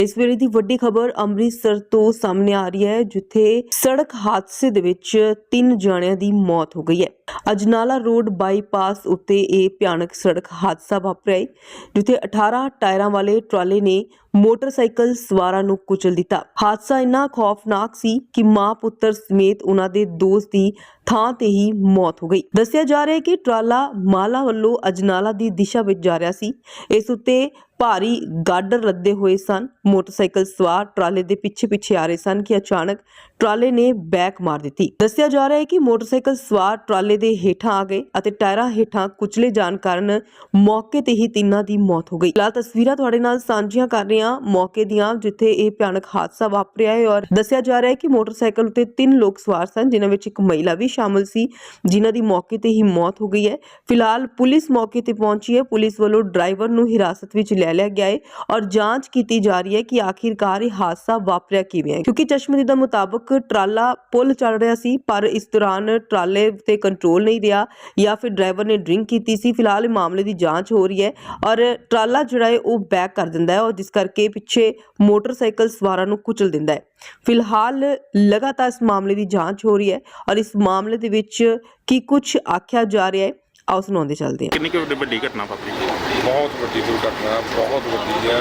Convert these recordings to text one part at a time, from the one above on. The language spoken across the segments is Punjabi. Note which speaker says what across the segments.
Speaker 1: इस वेले दी वड्डी खबर अमृतसर तो सामने आ रही है, जिथे सड़क हादसे दे विच 3 जणियां दी मौत हो गई है। अजनाला रोड बाईपास उत्ते ये भयानक सड़क हादसा वापरिया है, जिथे 18 टायरां वाले ट्राले ने मोटरसाइकिल सवारां नूं कुचल दिता। हादसा इन्ना खौफनाक सी कि मां पुत्तर समेत उन्हां दे दोस्त दी थां ते ही मौत हो गई। दस्सिया जा रहा है कि ट्राला माला वल्लों अजनाला दी दिशा विच जा रहा सी। इस उत्ते भारी गाडर लदे हुए सन। मोटरसाइकिल सवार ट्राले दे पिछे पिछे आ रहे सन कि अचानक ट्राले ने बैक मार दी। दस्सिया जा रहा है कि मोटरसाइकिल सवार ट्राले दे हेठां आ गए अते टायरां हेठां कुचले जाण कारण मौके ते ही तिन्हां दी मौत हो गई। फिलहाल तस्वीरां तुहाडे नाल साझीਆਂ कर रहे हां मौके दियां, जिथे ये भयानक हादसा वापरिया है। और दस्सिया जा रहा है कि मोटरसाइकिल उत्ते 3 लोग सवार सन, जिन्हां विच एक महिला भी शामिल सी, जिन्हां दी मौके ते ही मौत हो गई है। फिलहाल पुलिस मौके ते पहुंची है। पुलिस वालों ड्राइवर नूं हिरासत विच ले लिया गया है और जांच की जा रही है कि आखिरकार यह हादसा वापरिया किवें है, क्योंकि चश्मदीदा मुताबक ट्राला पुल चल रहा सी, पर इस दौरान ट्राले ते कंट्रोल नहीं रहा या फिर ड्राइवर ने ड्रिंक की सी। फिलहाल मामले की जांच हो रही है और ट्राला जिहड़ा है वो बैक कर दिंदा है और जिस करके पिछे मोटरसाइकिल सवारां नूं कुचल दिंदा है। फिलहाल लगातार इस मामले की जांच हो रही है और इस मामले दे विच की कुछ आख्या जा रहा है, आओ सुनाते चलते हैं।
Speaker 2: कितनी वड्डी घटना वापरी?
Speaker 3: बहुत वड्डी दुर्घटना, बहुत वड्डी है।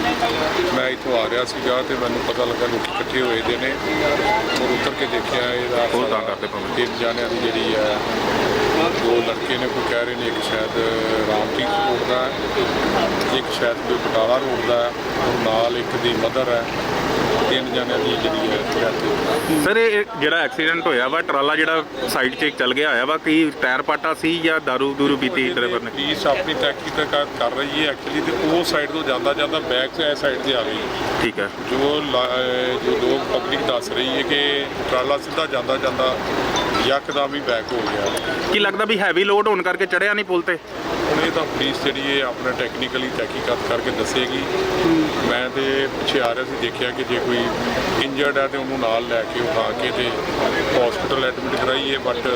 Speaker 3: मैं इतों आ रहा सीगा ते मैनूं पता लगा लोग इकट्ठे होए दे ने और उतर के देखिया इहदा तीन जानियां दी जिहड़ी है, 2 लड़के ने, कोई कह रहे ने एक शायद रामतीर्थ रोड दा है, एक शायद कोई बटाला रोड दा है और नाल एक दी मदर है। 3 जानियां दी जिहड़ी है डेथ होई।
Speaker 2: सर ये ਜਿਹੜਾ ਐਕਸੀਡੈਂਟ ਹੋਇਆ ਵਾ ਟਰਾਲਾ ਜਿਹੜਾ ਸਾਈਡ 'ਚ ਚੱਲ ਗਿਆ ਹੋਇਆ ਵਾ, ਕੀ ਟਾਇਰ ਪਾਟਾ ਸੀ ਜਾਂ ਦਾਰੂ ਦੂਰੂ ਪੀਤੀ ਡਰਾਈਵਰ ਨੇ?
Speaker 3: ਪੁਲਿਸ ਆਪਣੀ ਤਹਿਕੀਕਾਤ ਕਰ ਰਹੀ ਹੈ ਐਕਚੁਅਲੀ, ਤੇ ਉਹ ਸਾਈਡ ਤੋਂ ਜਾਂਦਾ ਜਾਂਦਾ ਬੈਕ ਤੋਂ ਇਸ ਸਾਈਡ 'ਤੇ ਆ ਗਈ।
Speaker 2: ਠੀਕ ਹੈ।
Speaker 3: ਜੋ ਲੋਕ ਪਬਲਿਕ ਦੱਸ ਰਹੀ ਹੈ ਕਿ ਟਰਾਲਾ ਸਿੱਧਾ ਜਾਂਦਾ ਜਾਂਦਾ ਯਕਦਮ ਹੀ ਬੈਕ ਹੋ ਗਿਆ।
Speaker 2: ਕੀ ਲੱਗਦਾ ਵੀ ਹੈਵੀ ਲੋਡ ਹੋਣ ਕਰਕੇ ਚੜਿਆ ਨਹੀਂ ਪੁਲ ਤੇ?
Speaker 3: ਹੁਣ ਇਹ ਤਾਂ ਪੁਲਿਸ ਜਿਹੜੀ ਹੈ ਆਪਣਾ ਟੈਕਨੀਕਲੀ ਤਹਿਕੀਕਾਤ ਕਰਕੇ ਦੱਸੇਗੀ। ਮੈਂ ਤੇ ਪਿੱਛੇ ਆ ਰਿਹਾ ਸੀ, ਦੇਖਿਆ ਕਿ ਜੇ ਕੋਈ ਇੰਜਰਡ ਹੈ ਤੇ ਉਹਨੂੰ ਨਾਲ ਲੈ ਕੇ ਉਠਾ ਕੇ ਤੇ ਹਸਪੀਟਲ ਐਡਮਿਟ ਕਰਾਈਏ, ਬਟ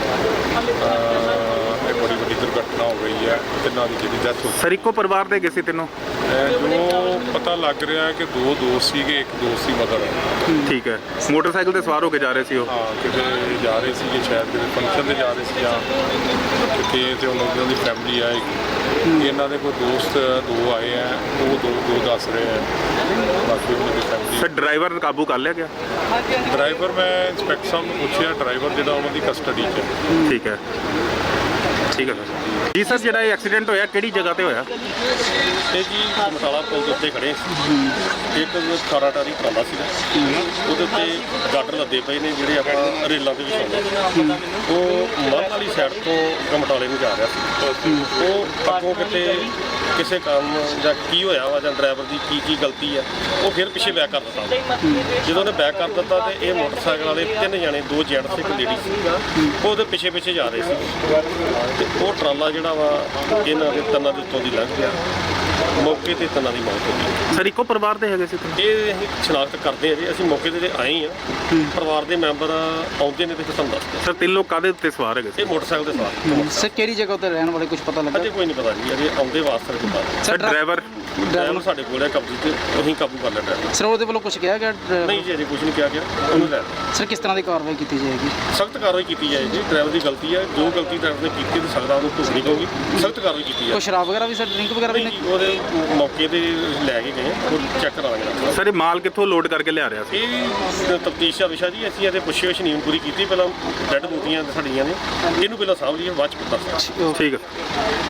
Speaker 3: ਇਹ ਬੜੀ ਵੱਡੀ ਦੁਰਘਟਨਾ ਹੋ ਗਈ ਹੈ। ਤਿੰਨਾਂ ਦੀ ਜਿਹੜੀ ਡੈਥ ਹੋ ਗਈ।
Speaker 2: ਸਰ ਇੱਕੋ ਪਰਿਵਾਰ ਦੇ ਗਏ ਸੀ ਤਿੰਨੋਂ?
Speaker 3: ਜੋ ਪਤਾ ਲੱਗ ਰਿਹਾ ਹੈ ਕਿ 2 ਦੋਸਤ ਸੀਗੇ, ਇੱਕ ਦੋਸਤ ਸੀ ਮਦਰ ਹੈ।
Speaker 2: ਠੀਕ ਹੈ। ਮੋਟਰਸਾਈਕਲ ਤੇ ਸਵਾਰ ਹੋ ਕੇ ਜਾ ਰਹੇ ਸੀ ਉਹ?
Speaker 3: ਹਾਂ, ਕਿਤੇ ਜਾ ਰਹੇ ਸੀਗੇ, ਸ਼ਾਇਦ ਕਿਤੇ ਫੰਕਸ਼ਨ 'ਤੇ ਜਾ ਰਹੇ ਸੀ ਜਾਂ ਕਿਤੇ, ਤੇ ਉਹਨਾਂ ਦੀ ਫੈਮਿਲੀ ਆਏਗੀ। ਇਹਨਾਂ ਦੇ ਕੋਈ ਦੋਸਤ 2 ਆਏ ਹੈ, ਉਹ ਦੋ ਦੱਸ ਰਹੇ ਹੈ, ਬਾਕੀ ਉਹਨਾਂ ਦੀ ਫੈਮਿਲੀ।
Speaker 2: ਸਰ ਡਰਾਈਵਰ ਕਾਬੂ ਕਰ ਲਿਆ ਗਿਆ?
Speaker 3: ਡਰਾਈਵਰ ਮੈਂ ਇੰਸਪੈਕਟਰ ਸਾਹਿਬ ਨੂੰ ਪੁੱਛਿਆ, ਡਰਾਈਵਰ ਜਿਹੜਾ ਉਹਨਾਂ ਦੀ ਕਸਟਡੀ 'ਚ ਹੈ।
Speaker 2: ਠੀਕ ਹੈ, ਠੀਕ ਹੈ ਸਰ। ਜੀ ਸਰ, ਜਿਹੜਾ ਇਹ ਐਕਸੀਡੈਂਟ ਹੋਇਆ ਕਿਹੜੀ ਜਗ੍ਹਾ ਤੇ ਹੋਇਆ?
Speaker 4: ਇਹ ਜੀ ਮਟਾਲਾ ਪੁਲ ਦੇ ਉੱਤੇ ਖੜੇ ਸੀ। ਇੱਕ 18 ਟਾਰੀ ਟਰਾਲਾ ਸੀਗਾ, ਉਹਦੇ ਉੱਤੇ ਗਾਡਰ ਲੱਦੇ ਪਏ ਨੇ ਜਿਹੜੇ ਆਪਾਂ ਰੇਲਾਂ ਦੇ ਵਿੱਚ ਆਉਂਦੇ। ਉਹ ਮੱਧ ਵਾਲੀ ਸਾਈਡ ਤੋਂ ਗਮਟਾਲੇ ਨੂੰ ਜਾ ਰਿਹਾ ਸੀ। ਉਹ ਅੱਗੋਂ ਕਿਤੇ ਕਿਸੇ ਕੰਮ ਜਾਂ ਕੀ ਹੋਇਆ ਵਾ ਜਾਂ ਡਰਾਈਵਰ ਦੀ ਕੀ ਗਲਤੀ ਆ, ਉਹ ਫਿਰ ਪਿੱਛੇ ਬੈਕ ਕਰ ਦਿੱਤਾ। ਜਦੋਂ ਉਹਨੇ ਬੈਕ ਕਰ ਦਿੱਤਾ ਤੇ ਇਹ ਮੋਟਰਸਾਈਕਲ ਵਾਲੇ 3 ਜਣੇ, 2 ਜੈਂਟਸ ਇੱਕ ਲੇਡੀ ਸੀ, ਉਹ ਉਹਦੇ ਪਿੱਛੇ ਪਿੱਛੇ ਜਾ ਰਹੇ ਸੀ ਤੇ ਉਹ ਟਰਾਲਾ ਜਿਹੜਾ ਵਾ ਇਹਨਾਂ ਦੇ ਤੰਨਾਂ ਦੇ ਉੱਤੋਂ ਦੀ ਲੰਘ ਗਿਆ। ਮੌਕੇ ਤੇ ਤੰਨਾਂ ਦੀ ਮੌਤ ਹੋ ਗਈ।
Speaker 2: ਸਰ ਇੱਕੋ ਪਰਿਵਾਰ ਦੇ ਹੈਗੇ ਸੀ?
Speaker 4: ਇਹ ਅਸੀਂ ਸ਼ਨਾਖਤ ਕਰਦੇ ਹਾਂ ਜੀ, ਅਸੀਂ ਮੌਕੇ ਤੇ ਆਏ ਹਾਂ। ਪਰਿਵਾਰ ਦੇ ਮੈਂਬਰ ਆਉਂਦੇ ਨੇ ਤੇ ਫਿਰ ਸਾਨੂੰ ਦੱਸਦੇ।
Speaker 2: ਸਰ 3 ਲੋਕ ਕਾਹਦੇ ਉੱਤੇ ਸਵਾਰ ਹੈਗੇ ਸੀ?
Speaker 4: ਇਹ ਮੋਟਰਸਾਈਕਲ ਦੇ ਸਵਾਰ।
Speaker 5: ਸਰ ਕਿਹੜੀ ਜਗ੍ਹਾ ਤੇ ਰਹਿਣ ਵਾਲੇ ਕੁਝ ਪਤਾ ਲੱਗਾ?
Speaker 4: ਅਜੇ ਕੋਈ ਨਹੀਂ ਪਤਾ ਜੀ, ਅਜੇ ਆਉਂਦੇ ਵਾਸਤੇ ਪਤਾ।
Speaker 2: ਸਰ ਡਰਾਈਵਰ
Speaker 4: ਸਾਡੇ ਕੋਲ ਹੈ ਕਬਜ਼ੇ ਤੇ, ਅਸੀਂ ਕਾਬੂ ਕਰ ਲਿਆ ਡਰਾਈਵਰ।
Speaker 5: ਸਰ ਉਹਦੇ ਵੱਲੋਂ ਕੁਝ ਕਿਹਾ ਗਿਆ?
Speaker 4: ਨਹੀਂ ਜੀ, ਅਜੇ ਕੁਝ ਨਹੀਂ ਕਿਹਾ ਗਿਆ। ਉਹਨੂੰ ਲੈ
Speaker 5: ਸਰ ਕਿਸ ਤਰ੍ਹਾਂ ਦੀ ਕਾਰਵਾਈ ਕੀਤੀ ਜਾਏਗੀ?
Speaker 4: ਸਖਤ ਕਾਰਵਾਈ ਕੀਤੀ ਜਾਏਗੀ। ਡਰਾਈਵਰ ਦੀ ਗਲਤੀ ਹੈ, ਜੋ ਗਲਤੀ ਡਰਾਈਵਰ ਨੇ ਕੀਤੀ ਤੇ ਸਕਦਾ ਉਹਨੂੰ ਭੁਗਤਣੀ ਪਊਗੀ। ਸਖਤ ਕਾਰਵਾਈ ਕੀਤੀ
Speaker 5: ਕੋਈ
Speaker 4: ਜਾਏ।
Speaker 5: ਸ਼ਰਾਬ ਵਗੈਰਾ ਵੀ ਸਰ, ਡਰਿੰਕ ਵਗੈਰਾ ਵੀ?
Speaker 4: ਨਹੀਂ, ਉਹਦੇ ਮੌਕੇ ਤੇ ਲੈ ਕੇ ਗਏ, ਉਹ ਚੈੱਕ ਕਰਾ ਲਾਂਗੇ।
Speaker 2: ਸਰ ਇਹ ਮਾਲ ਕਿੱਥੋਂ ਲੋਡ ਕਰਕੇ ਲਿਆ ਰਿਹਾ ਸੀ?
Speaker 4: ਇਹ ਤਫਤੀਸ਼ ਦਾ ਵਿਸ਼ਾ ਜੀ। ਅਸੀਂ ਇਹਦੇ ਪੁੱਛੇ ਨਹੀਂ ਪੂਰੀ ਕੀਤੀ। ਪਹਿਲਾਂ ਡੈਡ ਬੂਟੀਆਂ ਸਾਡੀਆਂ ਨੇ, ਇਹਨੂੰ ਪਹਿਲਾਂ ਸਾਂਭ ਲਈਏ, ਬਾਅਦ ਚ ਦੱਸ।
Speaker 2: ਠੀਕ ਹੈ।